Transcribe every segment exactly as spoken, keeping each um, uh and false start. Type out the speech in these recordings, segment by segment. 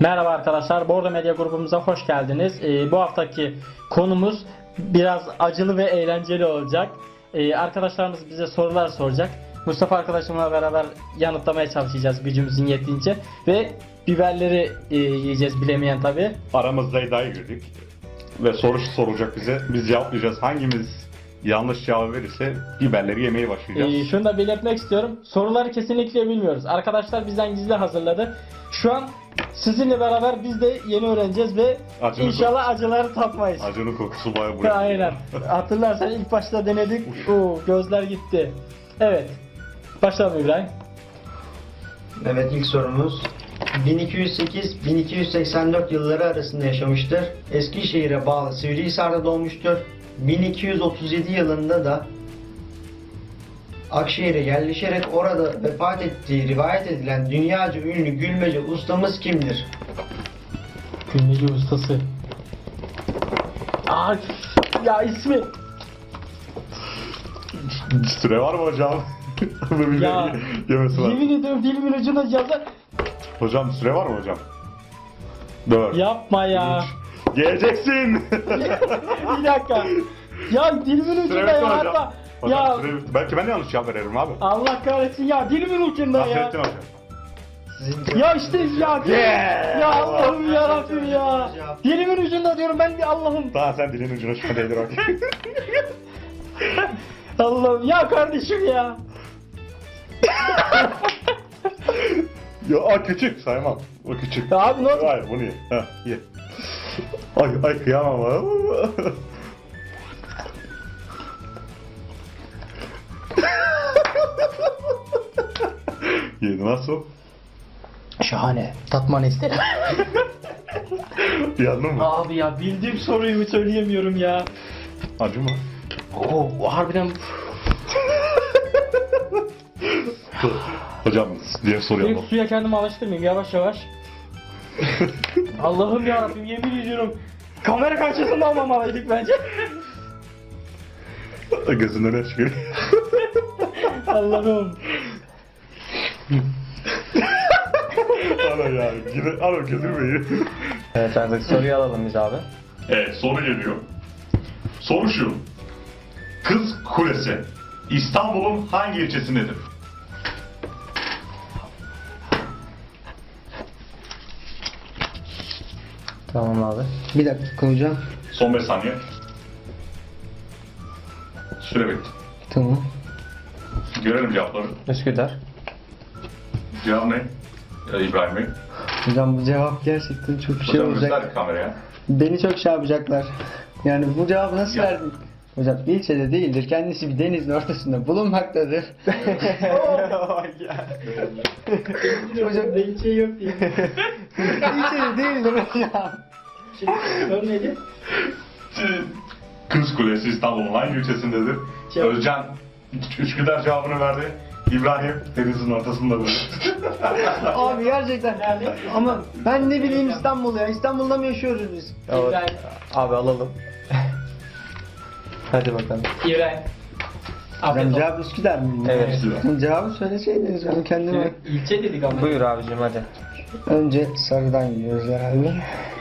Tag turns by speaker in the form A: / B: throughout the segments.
A: Merhaba arkadaşlar, Bordo Medya grubumuza hoş geldiniz. Ee, bu haftaki konumuz biraz acılı ve eğlenceli olacak. Ee, arkadaşlarımız bize sorular soracak. Mustafa arkadaşımla beraber yanıtlamaya çalışacağız gücümüzün yettiğince. Ve biberleri e, yiyeceğiz, bilemeyen tabi.
B: Aramızda iddiaya girdik. Ve soru sorulacak bize. Biz cevaplayacağız. Hangimiz yanlış cevap verirse biberleri yemeye başlayacağız.
A: Ee, şunu da belirtmek istiyorum. Soruları kesinlikle bilmiyoruz. Arkadaşlar bizden gizli hazırladı. Şu an sizinle beraber biz de yeni öğreneceğiz ve
B: Acının
A: inşallah acıları tatmayız.
B: Acının kokusu bayağı buraya.
A: Aynen. Hatırlarsan ilk başta denedik. Oo, gözler gitti. Evet. Başlayalım İbrahim.
C: Evet, ilk sorumuz. bin iki yüz sekiz bin iki yüz seksen dört yılları arasında yaşamıştır. Eskişehir'e bağlı Sivrihisar'da doğmuştur. bin iki yüz otuz yedi yılında da Akşehir'e yerleşerek orada vefat ettiği rivayet edilen dünyaca ünlü gülmece ustamız kimdir?
A: Gülmeci ustası. Aa, ya ismi.
B: Süre var mı hocam? Bu biberi
A: Ya,
B: yemesi var.
A: Yemin ediyorum dilimin ucuna yazar.
B: Hocam süre var mı hocam? Dört.
A: Yapma ya.
B: Geleceksin.
A: Bir dakika. Ya dilimin
B: Süre
A: ucunda
B: bitti
A: ya
B: hocam.
A: hatta.
B: Hocam
A: Ya
B: süre bitti. Belki ben de yanlış cevap veririm abi.
A: Allah kahretsin ya dilimin ucunda ya.
B: Nasrettin hocam.
C: Sizin
A: Ya işte ya.
B: Yeah!
A: Ya Allah'ım ya Rabbim ya.
C: Cevap.
A: Dilimin ucunda diyorum ben bir Allah'ım.
B: Daha sen dilin ucuna şu an değdir bak.
A: Allah'ım ya kardeşim ya.
B: Ya a, küçük saymam. O küçük.
A: Ya abi ne oldu?
B: Hayır bunu ye. Ha, ye. Ay ay kıyamam ha. Yedi nasıl?
A: Şahane. Tatmanı isterim.
B: Yandın mı?
A: Abi ya bildiğim soruyu mu söyleyemiyorum ya.
B: Acı mı?
A: Oo harbiden.
B: Hocam diğer soruya
A: İlk
B: bak.
A: suya kendimi alıştırmayayım yavaş yavaş. Allah'ım ya Rabbim yemin ediyorum. Kamera karşısında almamalıydık bence.
B: Gözünden ne çıkıyor?
A: Allah'ım.
B: Ana ya. Yine ana götürmeyin.
D: Evet, artık soruyu alalım biz abi.
E: Evet, soru geliyor. Soru şu. Kız Kulesi İstanbul'un hangi ilçesindedir?
D: Tamam abi.
C: Bir dakika hocam.
E: Son beş saniye. Süre bitti.
C: Tamam.
E: Görelim cevapları.
D: Üsküdar.
E: Cevap ne? Ya İbrahim Bey.
C: Hocam bu cevap gerçekten çok şey
E: Hocam
C: olacak.
E: göster kameraya.
C: Beni çok şey yapacaklar. Yani bu cevabı nasıl
E: Ya.
C: verdin? Hocam ilçede değildir. Kendisi bir denizin ortasında bulunmaktadır. Hocam ne ilçe yok diye. İlçede değildir hocam.
A: Soru neydi?
E: Kız Kulesi İstanbul'un hangi ilçesindedir?
A: Cevap.
E: Özcan Üsküdar cevabını verdi. İbrahim denizin ortasındadır.
C: Abi gerçekten.
A: Nerede?
C: Ama ben ne bileyim İstanbul ya. İstanbul'da mı yaşıyoruz biz?
D: Evet.
A: İbrahim.
D: Abi alalım. Hadi bakalım.
A: İbrahim.
C: Hocam
A: Afiyet olsun.
C: cevap Üsküdar mı?
D: Evet.
C: Cevabı söyleseydiniz ben kendime.
A: İlçe dedik ama.
D: Buyur abicim hadi.
C: Önce sarıdan gidiyoruz herhalde.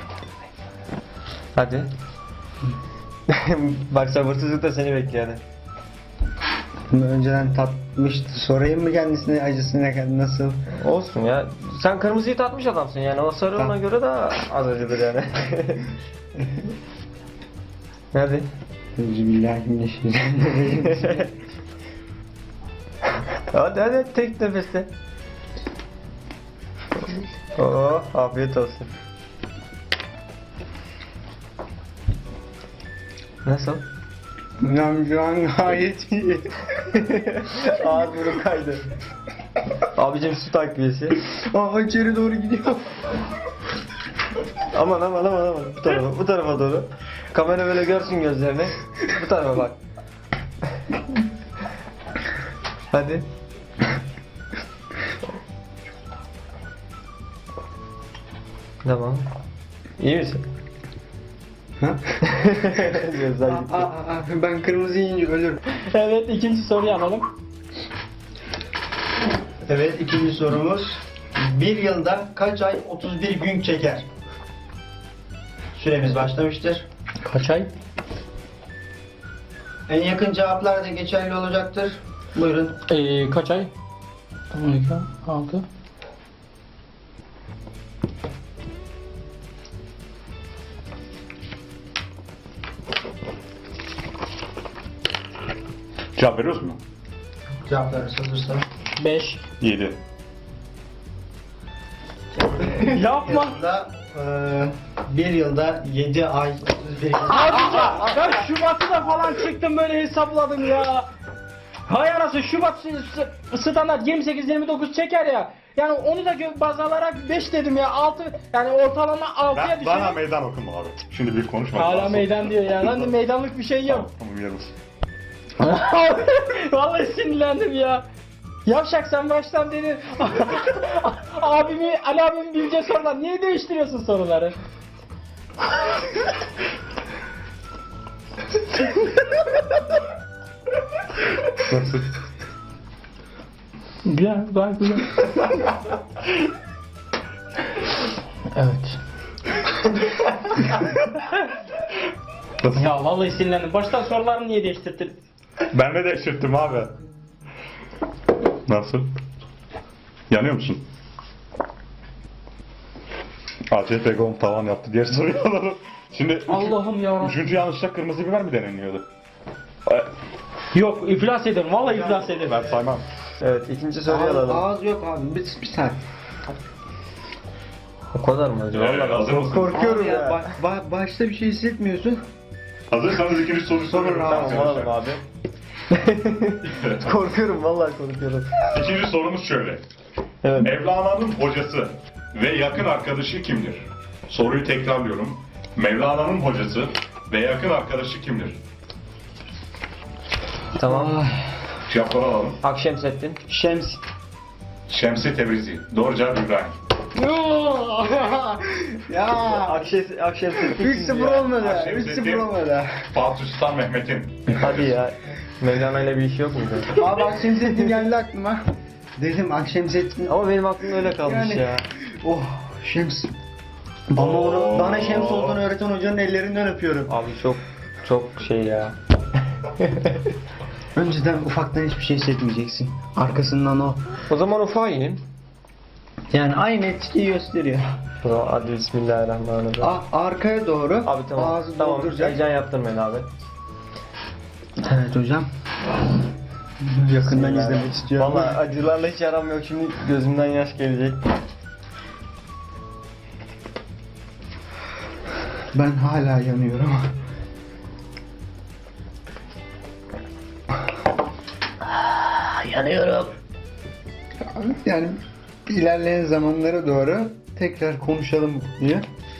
D: Hadi. Bak sabırsızlıkla seni bekliyor hadi.
C: Bunu önceden tatmıştı. Sorayım mı kendisine acısına kadar nasıl?
D: Olsun ya. Sen kırmızıyı tatmış adamsın yani. O sarı ona göre daha az acıdır yani. Hadi.
C: Euzubillahimineşşeytanirracim.
D: Hadi hadi tek nefeste. Oo, afiyet olsun. Nasıl?
C: Hocam şu an gayet iyi.
D: Ağız burun kaydı. Abicim su takviyesi.
C: Aa içeri doğru gidiyor.
D: Aman aman aman aman. Bu tarafa, bu tarafa doğru. Kamera böyle görsün gözlerini. Bu tarafa bak. Hadi. Tamam. İyi misin?
C: Ha?
D: Gözler
C: Aa,
D: gitti.
C: aa, aa, ben kırmızı yiyince ölürüm.
A: Evet ikinci soruyu alalım.
C: Evet ikinci sorumuz. Bir yılda kaç ay otuz bir gün çeker? Süremiz başlamıştır.
A: Kaç ay?
C: En yakın cevaplar da geçerli olacaktır. Buyurun.
A: Ee, kaç ay? on iki, altı.
B: Cevap veriyoruz mu?
C: Cevaplarınız hazırsa.
A: beş.
B: yedi.
A: Yapma.
C: Yılda, eee, bir yılda yedi ay otuz bir gün.
A: Abi ya, ben Şubat'ı da falan çıktım böyle hesapladım ya. Hay anasını Şubat s- s- standart yirmi sekiz yirmi dokuz çeker ya. Yani onu da gö- baz alarak beş dedim ya. altı yani ortalama altıya
B: Ben,
A: düşüyor.
B: bana meydan okuma abi. Şimdi bir konuşma.
A: Hala meydan diyor ya. Lan meydanlık bir şey yok.
B: Tamam yerimiz.
A: Vallahi sinirlendim ya. Yavşak sen baştan dedin. Abimi, Ali abimin bileceği sorular. Niye değiştiriyorsun soruları?
B: Nasıl?
A: Güzel, gayet güzel. Evet. Ya vallahi sinirlendim. Baştan soruları niye değiştirdin?
B: Ben de değiştirdim abi. Nasıl? Yanıyor musun? A C P Gom tavan yaptı diye soruyorlar. Şimdi üç-
A: Allah'ım yarabbim.
B: üçüncü yanlışta kırmızı biber mi deneniyordu? E,
A: Yok iflas ederim. Vallahi iflas ederim.
B: Ben saymam.
D: Evet ikinci soruyu
C: Ağız,
D: alalım.
C: ağız yok abi. Bir, bir saniye.
D: O kadar mı acaba?
B: Evet, hazır mısın?
D: Korkuyorum
C: Abi
D: ya.
C: ba- ba- başta bir şey hissetmiyorsun.
B: Hazırsanız ikinci soruyu soruyorum.
C: Tamam,
D: Tamam alalım abi. Korkuyorum vallahi korkuyorum.
B: İkinci sorumuz şöyle.
D: Evet.
B: Mevlana'nın hocası ve yakın arkadaşı kimdir? Soruyu tekrarlıyorum. Mevlana'nın hocası ve yakın arkadaşı kimdir?
D: Tamam.
B: Cevapları alalım.
D: Akşemseddin.
C: Şems.
B: Şemsi Tebrizi. Doğru cevap İbrahim.
C: Ya.
D: Akşes, Akşemseddin.
C: üç sıfır olmadı.
B: Akşam
C: üç sıfır
B: sesi.
C: olmadı.
B: Fatih Sultan Mehmet'in.
D: Hadi ya. Mevlana ile bir iş yok muydu?
C: Abi Akşemseddin geldi aklıma. Dedim Akşemseddin.
D: Ama benim aklımda öyle kalmış
C: Yani-
D: ya.
C: Oh Şems. Ama onu, bana Şems olduğunu öğreten hocanın ellerinden öpüyorum.
D: Abi çok çok şey ya.
C: Önceden ufaktan hiçbir şey hissetmeyeceksin. Arkasından o.
D: O zaman ufağa inin.
C: Yani aynı etkiyi gösteriyor.
D: O zaman hadi bismillahirrahmanirrahim.
C: A- arkaya doğru.
D: Abi tamam.
C: Ağzı
D: tamam.
C: dolduracak.
D: Heyecan yaptırmayın abi.
C: Evet hocam. Yakından izlemek istiyorum.
D: Vallahi acılarla hiç aram yok. Şimdi gözümden yaş gelecek.
C: Ben hala yanıyorum.
A: Yanıyorum.
C: Yani ilerleyen zamanlara doğru tekrar konuşalım diye.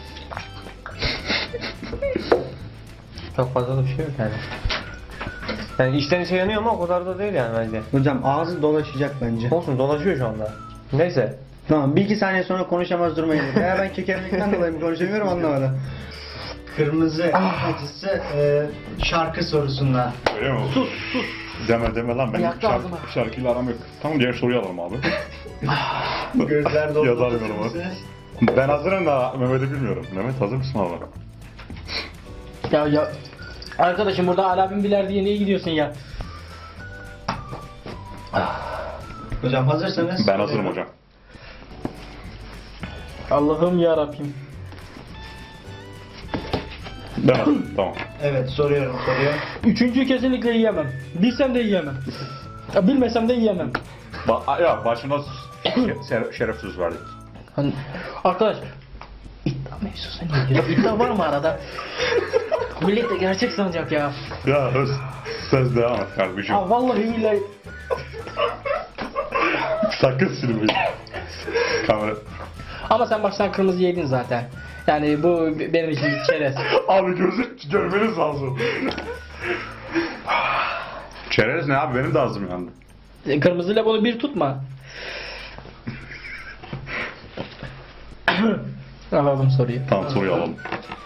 D: Çok fazla da bir şey yok yani. Yani içten içe yanıyor ama o kadar da değil yani bence.
C: Hocam ağzı dolaşacak bence.
D: Olsun dolaşıyor şu anda. Neyse.
C: Tamam bir iki saniye sonra konuşamaz duruma gelir. Veya ben kekerlikten dolayı mı konuşamıyorum anlamadım. Kırmızı acısı e, şarkı sorusunda.
B: Öyle mi? Sus sus. Deme deme lan ben
A: Yaktı
B: şarkı,
A: ağzıma.
B: şarkıyla aram yok. Tamam diğer soruyu alalım abi.
C: Gözler doldu.
B: Yazamıyorum ama. Ben hazırım da Mehmet'i bilmiyorum. Mehmet hazır mısın abi?
A: Ya ya arkadaşım burada Ali abim biler diye niye gidiyorsun ya?
C: Hocam hazırsanız.
B: Ben hazırım hocam.
A: Allah'ım ya Rabbim.
B: Ben hazırım. Tamam.
C: Evet soruyorum soruyu.
A: Üçüncüyü kesinlikle yiyemem. Bilsem de yiyemem. Ya bilmesem de yiyemem.
B: Ba ya başına şer- şeref söz verdik.
A: Hani, arkadaş iddia mevzusu neydi? İddia var mı arada? Millet de gerçek sanacak ya.
B: Ya söz, söz devam et kardeşim.
A: Ha vallahi billahi.
B: Sakın silmeyin. Kamera.
A: Ama sen baştan kırmızı yedin zaten. Yani bu benim için bir çerez.
B: Abi gözü görmeniz lazım. Çerez ne abi? Benim de ağzım yandı.
A: Kırmızıyla bunu bir tutma. Alalım soruyu.
B: Tamam soruyu alalım.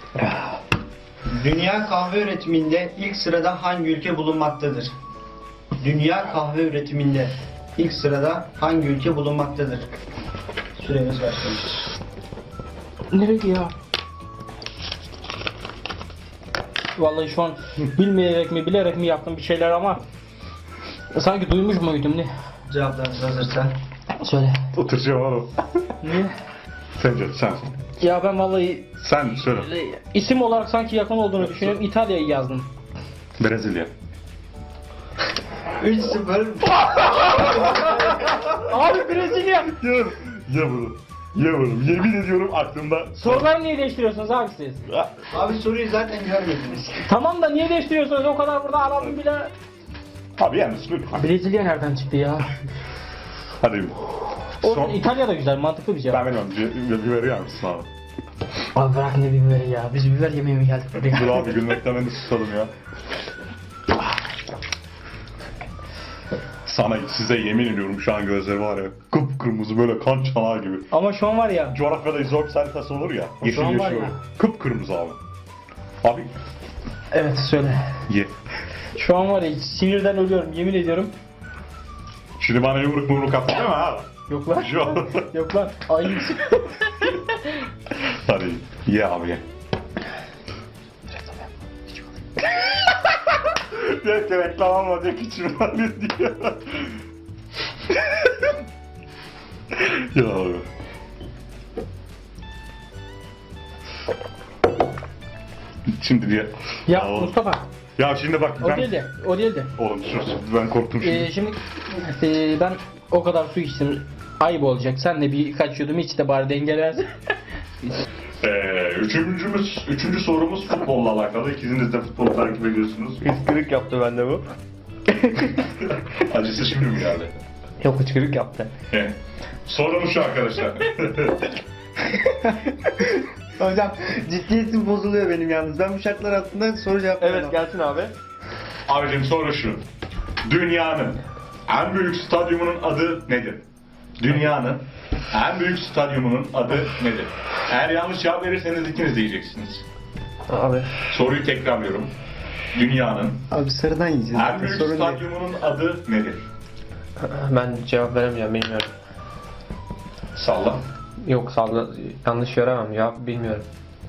C: Dünya kahve üretiminde ilk sırada hangi ülke bulunmaktadır? Dünya kahve üretiminde ilk sırada hangi ülke bulunmaktadır? Süremiz başlamıştır.
A: Nereye ya? Vallahi şu an bilmeyerek mi bilerek mi yaptım bir şeyler ama sanki duymuş muydum ne?
C: Cevaplarınız hazırsa.
A: Söyle.
E: Oturacağım oğlum.
A: Niye?
E: Sence sen.
A: Ya ben vallahi
E: Sen söyle.
A: isim olarak sanki yakın olduğunu düşünüyorum. İtalya'yı yazdım.
E: Brezilya.
C: üç sıfır.
A: Abi Brezilya.
E: Ye, ye bunu. Ye bunu. Yemin ediyorum aklımda.
A: Soruları niye değiştiriyorsunuz abi siz?
C: Abi soruyu zaten görmediniz.
A: Tamam da niye değiştiriyorsunuz? O kadar burada aradım bile.
E: Abi yalnız lütfen.
A: Brezilya nereden çıktı ya?
E: Hadi.
A: O
E: Son.
A: İtalya da güzel, mantıklı bir cevap.
E: Ben bilmiyorum. Bir, bir biberi yer misin abi?
A: Abi bırak ne biberi ya. Biz biber yemeye mi geldik buraya?
E: Dur abi gülmekten ben de susalım ya. Sana size yemin ediyorum şu an gözleri var ya kıpkırmızı böyle kan çanağı gibi.
A: Ama şu an var ya.
E: Coğrafyada izot haritası olur ya. Yeşil
A: an
E: yeşil
A: var ya.
E: böyle. Kıpkırmızı abi. Abi
A: Evet söyle.
E: ye.
A: Şu an var ya sinirden ölüyorum yemin ediyorum.
E: Şimdi bana yumruk mumruk attı değil mi abi?
A: Yok lan.
E: Şu
A: Yok lan. Ayıp.
E: Hadi ye abi ye. Diyor ki reklam almayacak içim var diyor. Ya abi. Şimdi diye.
A: Ya
E: oğlum.
A: Mustafa.
E: Ya şimdi bak
A: O
E: ben...
A: değildi. O değildi.
E: Oğlum sus ben korktum şimdi.
A: Ee, şimdi ee, ben o kadar su içtim. Ayıp olacak. Sen de birkaç yudum iç de bari dengelersin.
E: Ee, üçüncümüz, üçüncü sorumuz futbolla alakalı. İkiniz de futbolu takip ediyorsunuz.
D: Hıçkırık yaptı bende bu.
E: Acısı şimdi mi geldi?
D: Yok hıçkırık yaptı.
E: Evet. Sorumuz şu arkadaşlar.
C: Hocam ciddiyetim bozuluyor benim yalnız. Ben bu şartlar altında soru cevap
D: Evet gelsin abi.
E: Abicim soru şu. Dünyanın en büyük stadyumunun adı nedir? Dünyanın en büyük stadyumunun adı nedir? Eğer yanlış cevap verirseniz ikiniz de diyeceksiniz.
D: Abi.
E: Soruyu tekrarlıyorum. Dünyanın
C: Abi sarıdan yiyeceğiz.
E: en büyük
C: Sorun değil.
E: stadyumunun adı nedir?
D: Ben cevap veremeyeceğim bilmiyorum.
E: Salla.
D: Yok salla yanlış veremem cevap bilmiyorum.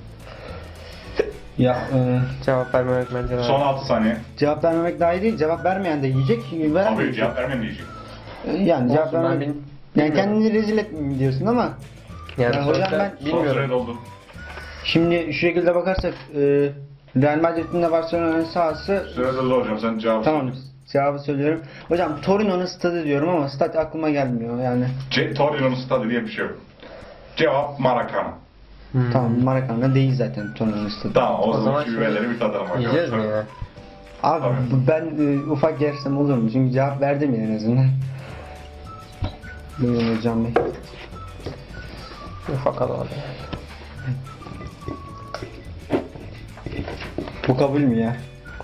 C: Ya e,
D: Cevap vermemek bence lazım.
E: Son altı saniye.
C: cevap vermemek daha iyi değil. Cevap vermeyen de yiyecek.
E: Abi
C: Veremeyecek.
E: cevap vermem diyecek.
C: Yani cevap
D: Olsun, ben
C: vermemek.
D: bil-
C: Yani
D: bilmiyorum.
C: kendini rezil etmeyeyim diyorsun ama
D: Yani
C: Ya
D: sonuçta
C: hocam ben-
E: Son süre
D: bilmiyorum.
E: doldu.
C: şimdi şu şekilde bakarsak e, Real Madrid'in de Barcelona'nın sahası
E: Süre doldu hocam sen cevap
C: tamam cevabı söylüyorum. Hocam Torino'nun stadı diyorum ama stat aklıma gelmiyor yani.
E: C- Torino'nun stadı diye bir şey yok. Cevap Maracana.
D: Hmm.
C: Tamam Maracanã değil zaten Torino'nun stadı.
E: Tamam o,
D: O
E: zaman
D: zaman
E: şu
D: şimdi
E: biberleri bir tadalım arkadaşlar.
D: Yiyeceğiz mi ya?
C: Abi
E: Tabii.
C: ben e, ufak yersem olur mu? Çünkü cevap verdim ya en azından. Buyurun hocam bey.
D: Ufak alalım.
C: Bu kabul mü ya?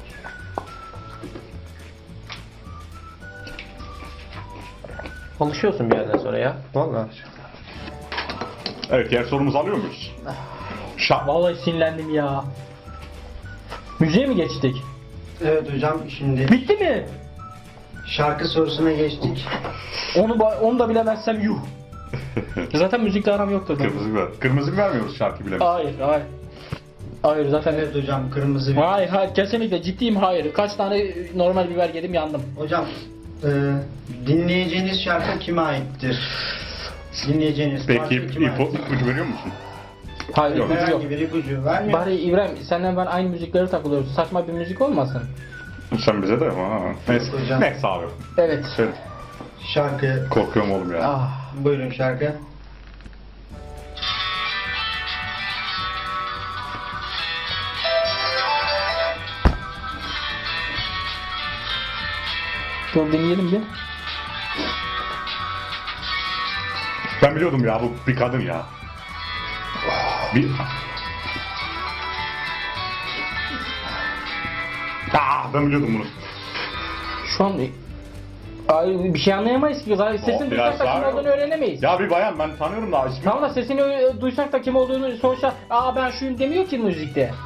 D: Alışıyorsun bir yerden sonra ya. Vallahi.
E: Evet diğer sorumuzu alıyor muyuz? Şak.
A: Vallahi sinirlendim ya. Müziğe mi geçtik?
C: Evet hocam şimdi
A: Bitti mi?
C: şarkı sorusuna geçtik.
A: Onu ba- onu da bilemezsem yuh. Zaten müzikle aram yoktur. benim.
E: Kırmızı biber. Kırmızı biber mi yiyoruz şarkı bilemeyiz?
A: Hayır, hayır. Hayır zaten.
C: Evet hocam kırmızı bir.
A: Hayır, hayır kesinlikle ciddiyim hayır. Kaç tane normal biber yedim yandım.
C: Hocam e, dinleyeceğiniz şarkı kime aittir? Dinleyeceğiniz
E: Peki
C: parça
E: ip,
C: kime
E: ipo,
C: aittir?
E: ipucu veriyor musun?
A: Hayır
E: Yok.
A: ipucu yok.
C: Herhangi bir ipucu vermiyor.
A: Bari İbrahim senden ben aynı müzikleri takılıyoruz. Saçma bir müzik olmasın.
E: Sen bize de ama. Neyse.
C: Hocam.
E: Neyse abi.
A: Evet.
E: Söyle.
C: Şarkı
E: Korkuyorum oğlum ya.
A: Ah.
C: buyurun şarkı.
A: Dur dinleyelim bir.
E: Ben biliyordum ya bu bir kadın ya. Bir... Aa, ben biliyordum bunu.
A: Şu an Ay, bir şey anlayamayız ki. Zaten sesini
E: Oh, biraz
A: duysak da kim
E: daha-
A: olduğunu öğrenemeyiz.
E: Ya bir bayan ben tanıyorum da ismi.
A: Tamam da sesini e, duysak da kim olduğunu sonuçta aa ben şuyum demiyor ki müzikte.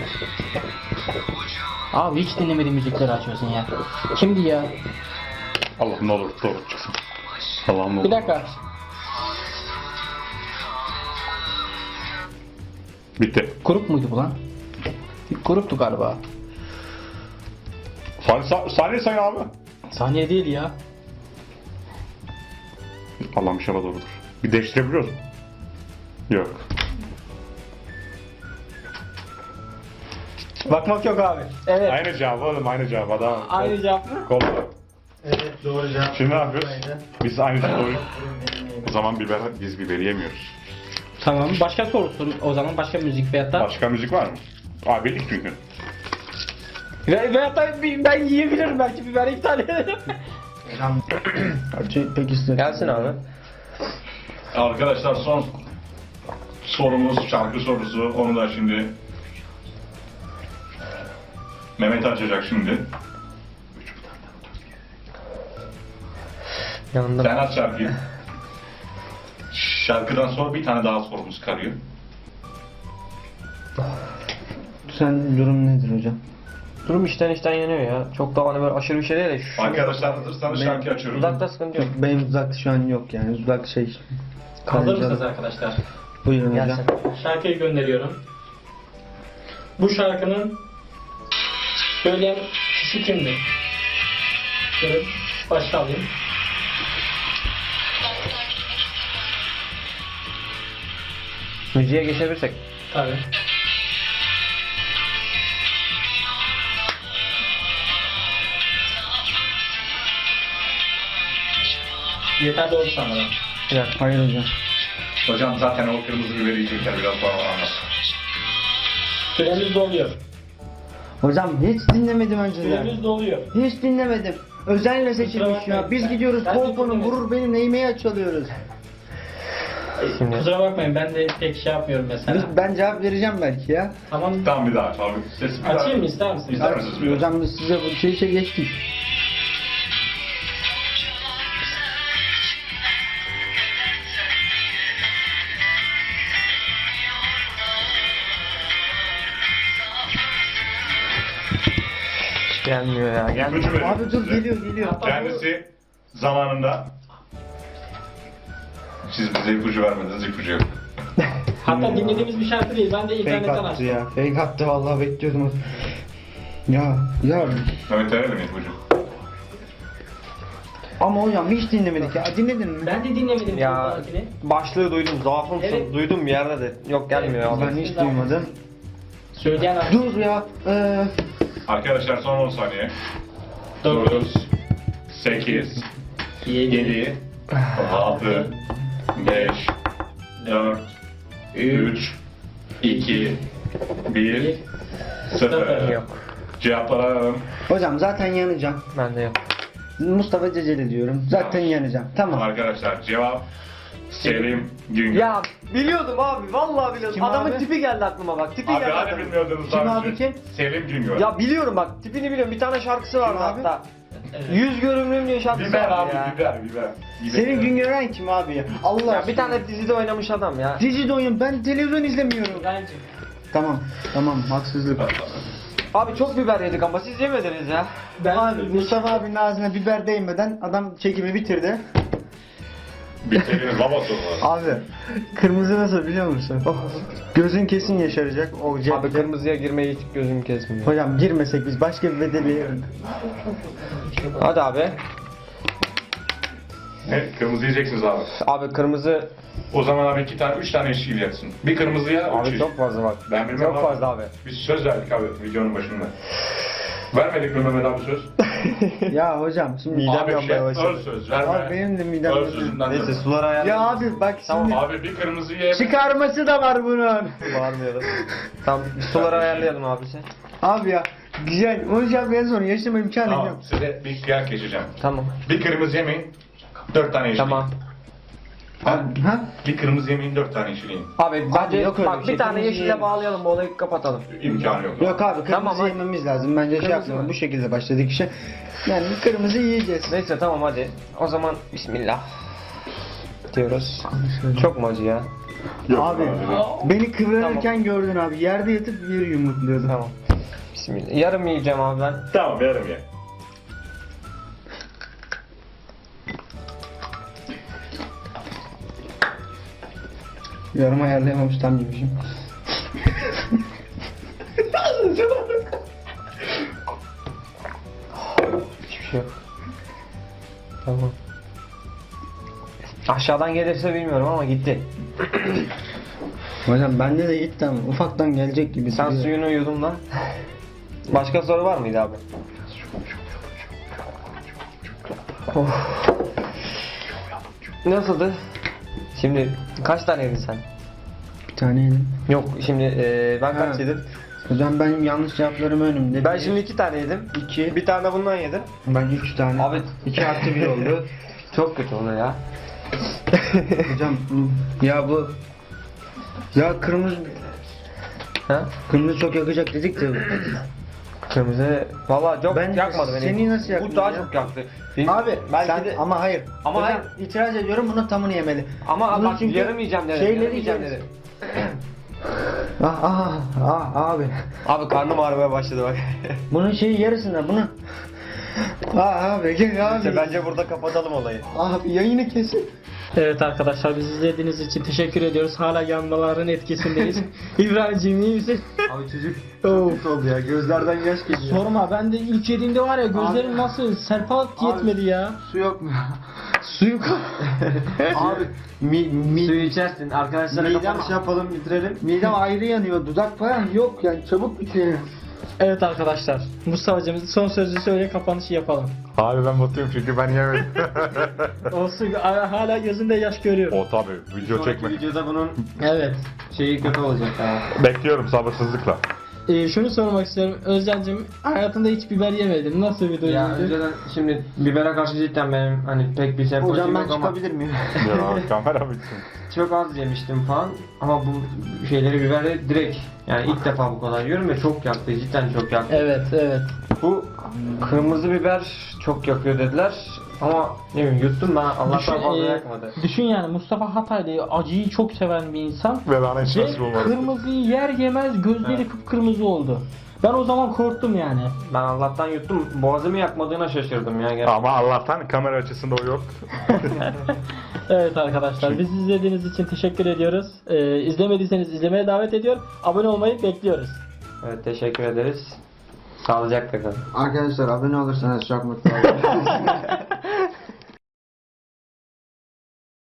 A: Abi hiç dinlemediğim müzikleri açıyorsun ya. Kimdi ya?
B: Allah'ım ne olur doğru çıksın. Allah'ım ne olur.
A: Bir dakika.
B: Bitti.
A: Grup muydu bu lan? Gruptu galiba.
B: Saniye, sa- saniye say abi.
A: Saniye değil ya.
B: Allah'ım inşallah doğrudur. Bir değiştirebiliyor musun? Yok.
A: Bakmak yok abi. Evet.
B: Aynı cevap oğlum aynı cevap adam.
A: Aynı cevap mı?
B: Kol.
C: Evet doğru cevap.
B: Şimdi ne yapıyoruz? Biz aynı şey doğru. O zaman biber, biz biberi yemiyoruz.
A: Tamam. Başka sorusun o zaman. Başka müzik veyahut da.
B: Başka müzik var mı? Aa bildik çünkü.
A: Ve, veyahut da bir- ben yiyebilirim belki biberi iptal ederim.
C: Hocam pek istedim.
D: Gelsin abi.
B: Arkadaşlar son sorumuz şarkı sorusu. Onu da şimdi Mehmet açacak şimdi.
D: Yanında.
B: Sen aç şarkıyı. Şarkıdan sonra bir tane daha sorumuz kalıyor.
C: Sen durum nedir hocam?
D: Durum işten işten yanıyor ya. Çok da hani böyle aşırı bir şey değil de şu.
B: Arkadaşlar hazırsanız şarkı açıyorum.
D: Uzakta sıkıntı yok.
C: Benim uzakta şu an yok yani uzak şey.
A: Hazır mısınız arkadaşlar?
C: Buyurun hocam.
D: Gelsin.
A: Şarkıyı gönderiyorum. Bu şarkının söyleyen kişi kimdir? Şöyle başta alayım.
D: Müziğe geçebilirsek.
A: Tabii. Yeterli oldu sanırım.
D: Bir dakika.
C: Hayır hocam.
B: Hocam zaten o kırmızı biberi yiyecekler biraz sonra anlat.
A: Süremiz doluyor.
C: Hocam hiç dinlemedim önceden.
A: Süremiz doluyor.
C: Hiç dinlemedim. Özenle seçilmiş
A: bakmayın.
C: ya. Biz gidiyoruz
A: Ben de
C: kolponu
A: dinlemedim.
C: vurur benim neymeyi çalıyoruz.
D: Şimdi.
A: Kusura bakmayın ben de pek şey yapmıyorum mesela.
C: Biz, ben cevap vereceğim belki ya.
A: Tamam.
B: Tamam bir daha aç abi. Ses bir daha.
A: Açayım mı ister misiniz?
B: İster misiniz bir daha?
C: Hocam biz size bu şey şey geçtik.
D: Gelmiyor ya. Gelmiyor.
B: İpucu veriyorum
C: Abi dur
B: size.
C: geliyor geliyor.
B: Kendisi zamanında siz bize ipucu vermediniz, ipucu yok.
A: Hatta dinlediğimiz bir şarkı değil. Ben de
C: Fake
A: internetten
C: attı
A: açtım.
C: ya. Fake attı vallahi bekliyordum. Ya ya
B: Mehmet verelim mi ipucu?
C: ama hocam hiç dinlemedik ya. Dinledin mi?
A: Ben de dinlemedim.
D: Ya
A: şarkıyı.
D: başlığı duydum. Zaafımsın.
A: Evet.
D: Duydum bir yerde de. Yok gelmiyor ya.
C: Ben hiç duymadım.
A: Söyleyen adam.
C: Dur ya. Ee,
B: Arkadaşlar son on saniye.
A: Dokuz,
B: dokuz, sekiz,
A: yedi,
B: yedi, altı, beş, dört, üç, iki, bir, sıfır.
D: Yok.
B: Cevapları alalım.
C: hocam zaten yanacağım.
D: Bende yok.
C: Mustafa Ceceli diyorum. Zaten yanacağım. Tamam.
B: Arkadaşlar cevap Selim Güngör.
D: Ya biliyordum abi. Vallahi biliyordum.
C: Kim
D: Adamın
C: abi?
D: tipi geldi aklıma bak. Tipi
B: Abi
D: geldi.
B: hani
D: adamın.
B: bilmiyordunuz
C: Kim
B: daha
C: abi,
B: önce?
C: kim?
B: Selim Güngör.
D: Ya biliyorum bak. Tipini biliyorum. Bir tane şarkısı vardı
C: Kim abi?
D: hatta.
A: Evet.
D: Yüz görümlüğüm diye şarkısı
B: Biber
D: vardı
B: abi,
D: ya.
B: biber, biber. biber.
C: Senin Güngören kim abi ya? Allah
D: Ya bir tane dizide oynamış adam ya.
C: Dizide oyun. Ben televizyon izlemiyorum.
A: Bence.
C: Tamam. Tamam. Haksızlık.
D: Abi çok biber yedik ama siz yemediniz ya.
A: Ben
C: Abi Mustafa abinin ağzına biber değmeden adam çekimi bitirdi.
B: Bir Selim'in babası var.
C: Abi kırmızı nasıl biliyor musun? Oh, gözün kesin yaşaracak o cepte.
D: Abi kırmızıya girmeyi hiç gözüm kesmiyor.
C: Hocam girmesek biz başka bir bedeli.
D: Hadi abi.
B: Ne? Kırmızı yiyeceksiniz abi.
D: Abi kırmızı.
B: O zaman abi iki tane, üç tane eşki yiyeceksin. Bir kırmızıya, üç
D: Abi
B: eşki.
D: çok fazla bak.
B: Ben bilmem
D: Çok
B: abi.
D: fazla abi.
B: Biz söz verdik abi videonun başında. Vermedik mi Mehmet abi söz?
C: Ya hocam şimdi
D: Midem
B: abi
D: yanmaya
B: şey,
D: başladı.
B: öz söz verme.
C: Abi benim de midem
B: Öz
C: yanıyor.
B: sözünden
D: Neyse
B: dön.
D: suları ayarlayalım.
C: Ya abi bak şimdi
D: Tamam
B: Abi bir kırmızı ye.
C: çıkarması da var bunun.
D: Bağırmayalım. Tamam bir suları ayarlayalım abi sen.
C: Abi ya güzel. Onu yapmaya sonra yaşama imkanı
B: Tamam
C: yok.
B: size bir kıyak geçeceğim.
D: Tamam.
B: Bir kırmızı yemeyin, dört tane yeşil.
D: Tamam.
B: Ha?
C: Ha?
B: Bir kırmızı yemeyin, dört tane yeşil yiyin.
D: Abi bence
C: yok öyle
D: bak
C: bir
D: bir,
C: şey.
D: tane
C: Kırmızı
D: yeşille
C: yiyelim.
D: bağlayalım bu olayı kapatalım.
B: İmkanı yok.
C: Yok abi kırmızı
D: Tamam, hadi.
C: yememiz lazım. Bence şey
D: Kırmızı
C: yapmayalım.
D: mı?
C: Bu şekilde başladık işe. Yani kırmızı yiyeceğiz.
D: Neyse tamam hadi. O zaman bismillah. Diyoruz. Çok mu acı ya?
B: Yok
C: Abi
B: abi.
C: beni kıvranırken gördün abi. Yerde yatıp yeri yumurtluyordun.
D: Tamam. Bismillah. Yarım yiyeceğim abi ben.
B: Tamam yarım ye.
C: Yorum ayarlayamamış tam yemişim.
D: Hiçbir şey yok. Tamam. Aşağıdan gelirse bilmiyorum ama gitti.
C: Hocam bende de gitti ama ufaktan gelecek gibi.
D: Sen
C: duruyor.
D: suyunu yudum lan. Başka soru var mıydı abi? Of. Nasıldı? Şimdi kaç tane yedin sen?
C: Bir tane yedim.
D: Yok şimdi e, ben kaç
C: Ha.
D: yedim?
C: Hocam benim yanlış cevaplarım önümde.
D: Ben
C: Bir,
D: şimdi iki tane yedim.
C: iki.
D: Bir tane de bundan yedim.
C: Ben üç tane.
D: Abi
C: iki artı bir oldu.
D: çok kötü oluyor ya.
C: Hocam ya bu ya kırmızı
D: Ha?
C: kırmızı çok yakacak dedik de.
D: Kırmızı valla çok
C: Ben
D: yakmadı beni.
C: seni nasıl yaktı
D: Bu daha
C: ya?
D: çok yaktı. Benim-
C: Abi
D: belki
C: sen
D: de
C: ama hayır.
D: Ama
C: Hocam,
D: hayır.
C: itiraz ediyorum bunun tamını yemeli.
D: ama
C: Bunun
D: bak
C: çünkü
D: yarım yiyeceğim dedi.
C: şeyleri
D: Yarım yiyeceğim
C: yeriz.
D: dedi.
C: Ah ah ah abi.
D: Abi karnım ağrımaya başladı bak.
C: Bunun şeyi yarısında bunu. Ah abi gel abi.
D: İşte bence burada kapatalım olayı.
C: Abi yayını kesin.
A: Evet arkadaşlar bizi izlediğiniz için teşekkür ediyoruz. Hala yanmaların etkisindeyiz. İbrahim'ciğim iyi misin?
D: Abi çocuk
A: Of.
C: oldu ya gözlerden yaş geliyor.
A: Sorma ben de ilk yediğimde var ya gözlerim nasıl serpat yetmedi ya.
C: Su yok mu? Su yok. abi mi, mi,
D: suyu içersin. Arkadaşlara
C: midem,
D: kapanış yapalım bitirelim.
C: midem ayrı yanıyor. Dudak falan yok yani çabuk bitiyor.
A: Evet arkadaşlar Mustafa'cığım son sözü söyle kapanışı yapalım.
B: Abi ben mutluyum çünkü ben yemedim.
A: Olsun a- hala gözünde yaş görüyorum.
B: o tabii video
D: Sonraki
B: çekme.
D: videoda bunun
A: Evet.
D: şeyi kötü olacak ha.
B: Bekliyorum sabırsızlıkla.
A: Ee, şunu sormak istiyorum. Özcan'cığım hayatında hiç biber yemedin. Nasıl bir
D: Ya
A: duyguydu?
D: önceden şimdi bibere karşı cidden benim hani pek bir sempatim
C: Hocam ben
D: yok ama
C: çıkabilir miyim?
B: Ya kamera bitsin.
D: çok az yemiştim falan ama bu şeyleri biberi direkt yani ilk defa bu kadar yiyorum ve çok yaktı cidden çok yaktı.
A: Evet evet.
D: Bu kırmızı biber çok yakıyor dediler ama ne bileyim yuttum ben Allah'tan
A: Düşün,
D: fazla
A: e,
D: yakmadı.
A: düşün yani Mustafa Hataylı acıyı çok seven bir insan.
B: Ve bana hiç
A: Ve
B: nasip olmadı.
A: kırmızıyı yer yemez gözleri kıpkırmızı oldu. Ben o zaman korktum yani.
D: Ben Allah'tan yuttum boğazımı yakmadığına şaşırdım ya gerçekten.
B: Ama Allah'tan kamera açısında o yok.
A: Evet arkadaşlar bizi izlediğiniz için teşekkür ediyoruz. Ee, izlemediyseniz izlemeye davet ediyor. Abone olmayı bekliyoruz.
D: Evet teşekkür ederiz. Sağlıcakla kalın.
C: Arkadaşlar abone olursanız çok mutlu olurum.